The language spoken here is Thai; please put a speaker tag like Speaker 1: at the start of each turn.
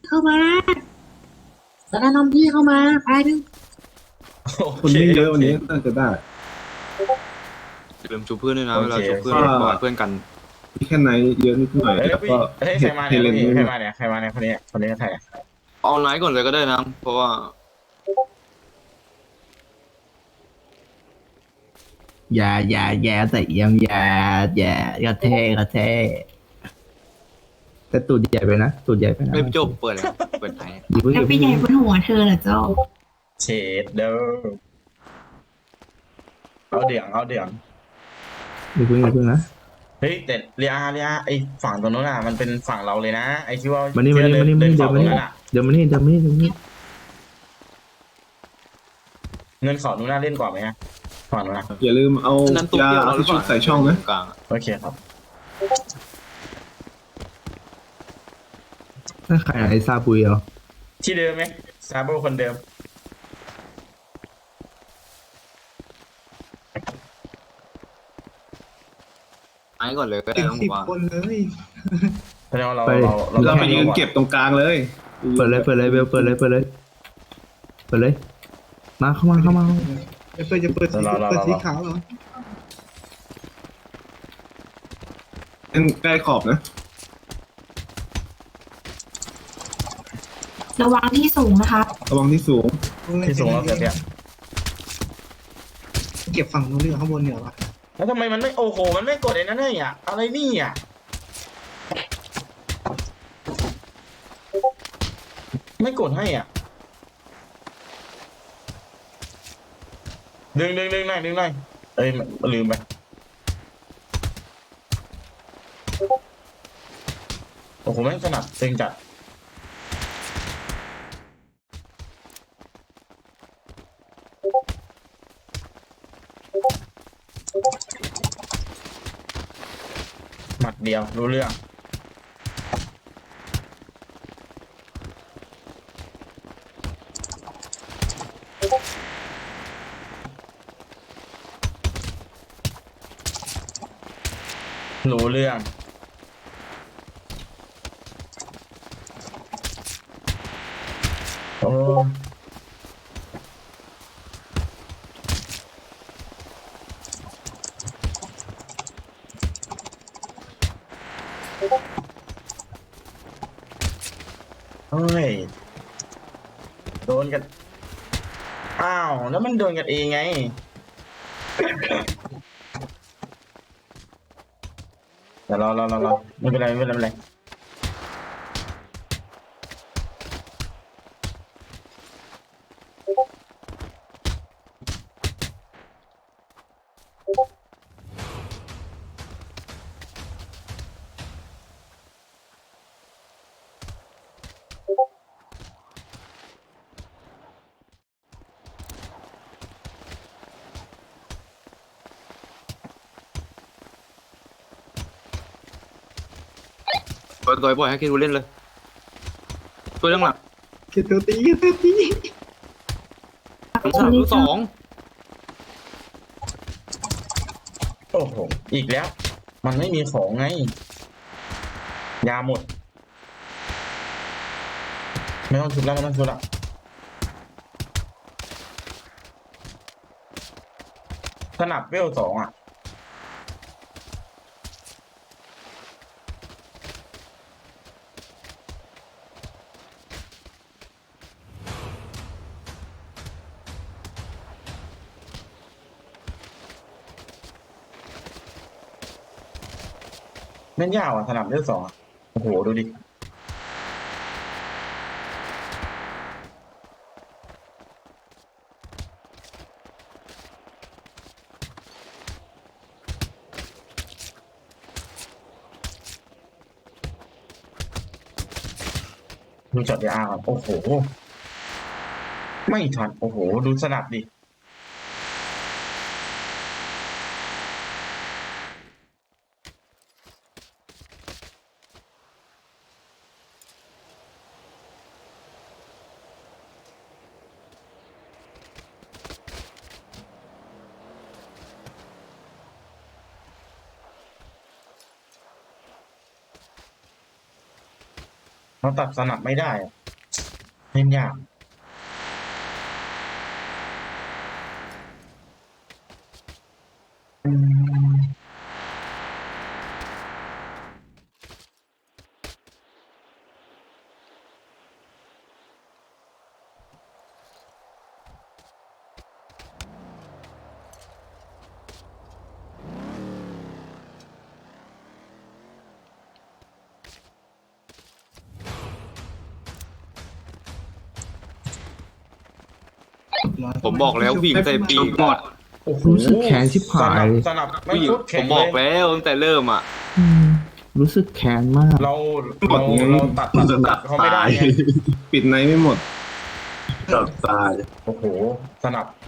Speaker 1: เข้ามาแล้วก็นำพี่เข้ามาไปดู
Speaker 2: โอ
Speaker 3: คน
Speaker 2: เค
Speaker 3: ไม่เยอะ
Speaker 2: โอเค
Speaker 3: วันนี้น่าจะได้
Speaker 4: อย่าลืมชูเพื่อนด้วยนะ
Speaker 2: โอ
Speaker 4: เว
Speaker 2: เค
Speaker 4: ลาชูเพื่อน
Speaker 3: โอเค
Speaker 4: บอกให้เพื่อนกัน
Speaker 3: มีแค่ไหนเยอะนิดหน่อยแล้วก็
Speaker 2: เฮ้ย
Speaker 3: เฮ
Speaker 2: ใครมาเนี่ย
Speaker 3: เลน
Speaker 2: พี่
Speaker 3: ด้วย
Speaker 2: ใครมาเนี่ยใครมาเนี่ยคนนี้ใครอะ
Speaker 4: เอาไนท์ก่อนเลยก็ได้นะ เพราะว่า
Speaker 5: อย่าใส่เอี่ยมอย่ากระเท่แต่ตูดใหญ่ไปนะตูดใหญ่ไปนะ
Speaker 4: ไม่จบเปิดแล้วเปิดไหน
Speaker 5: อย่าเพิ่งอ
Speaker 1: แล้ว
Speaker 5: ย่า
Speaker 1: ไป
Speaker 5: เพิ่ง
Speaker 1: ใหญ่บนหัวเธอเหรอเจ้า
Speaker 2: เชดเด้อเอาเดี๋ยว
Speaker 5: อย่าเพิ่งนะ
Speaker 2: เฮ้ยแต่เรียไอฝั่งตรงนู้นอ่ะมันเป็นฝั่งเราเลยนะไอที่ว่า
Speaker 5: มานี่
Speaker 2: ที่เดิ
Speaker 5: เดี๋ยว
Speaker 2: เขาต
Speaker 5: มา
Speaker 2: รง
Speaker 5: นี่
Speaker 2: นั้นอ่ะ
Speaker 5: เดี๋ยวมานี่
Speaker 2: เงินเขานู้นน่าเล่นก่อนไหมฮะฝั่งนู้นนะ
Speaker 3: อย่าลืมเอา
Speaker 4: อันนั้นตัวย
Speaker 3: า
Speaker 4: เดียว
Speaker 3: เอา
Speaker 4: เราหรื
Speaker 3: ที่
Speaker 4: อเป
Speaker 3: ชุ
Speaker 4: ล่า
Speaker 3: ดใส่ช่องนะ
Speaker 4: กลางอะ
Speaker 2: โอเคครับ
Speaker 5: ถ้าใครไอ้ซาบุยเหรอ
Speaker 2: ที่เดิมไหมซาโบคนเดิม
Speaker 4: ไนท์ก่อนเลยก็ได้นะผมว่า
Speaker 2: แสดงว่าเรา
Speaker 3: เราไปยืนเก็บตรงกลางเลย
Speaker 5: เปิดเลยเปิดเลยมาเข้ามา
Speaker 6: จะเปิดสีขาวเหรอ
Speaker 3: เล่นใกล้ขอบนะ
Speaker 1: ระวังที่สูงนะคะ
Speaker 3: ระวังที่สูง
Speaker 2: ที่สูงเราเสร็จเนี่ย
Speaker 6: เก็บฝั่งนู้นหรือข้างบนเหนือวะ
Speaker 2: แล้วทำไมมันไม่โอ้โหมันไม่กดไอ้นั่นเลยอ่ะอะไรนี่อ่ะไม่กดให้อ่ะดึงหน่อยเอ้ยลืมไปโอ้โหแม่งถนัดตึงจัดหมัดเดียวรู้เรื่องรู้เรื่องโอ้เฮ้ยโดนกันอ้าวแล้วมันโดนกันเองไงเดี๋ยวรอไม่เป็นไร
Speaker 4: ปล่อยให้คิดดูเล่นเลยช่วยเรื่องหลัก
Speaker 6: เก็บตัวตี
Speaker 4: ลูกสอง
Speaker 2: โอ้โหอีกแล้ว มันไม่มีของไงยาหมดไม่ต้องชุบแล้วสนับเวล2อ่ะเล่นยาวอ่ะสนับเวล2อ่ะโอ้โหดูดิดูจอดยาก่อนโอ้โหไม่ทันโอ้โหดูสนับดิเราตัดสนับไม่ได้อะเล่นยากอืม
Speaker 4: ผมบอกแล้วผู้หญิงใส่ปีกอะ
Speaker 2: โอ้โห
Speaker 5: รู้สึกแค้นชิบหาย
Speaker 2: สนับไม่
Speaker 4: ผู้หญิง
Speaker 2: ชุด
Speaker 4: ผ
Speaker 2: แข็ง
Speaker 4: ม
Speaker 2: เล
Speaker 4: บอก
Speaker 2: ย
Speaker 4: แล้วตั้งแต่เริ่มอ่ะ
Speaker 5: อืมรู้สึกแค้นมาก
Speaker 2: เราตัดเขาไม่ได้ไง
Speaker 3: ปิดในไม่หมดตัดตาย
Speaker 2: โอ้โหสนับ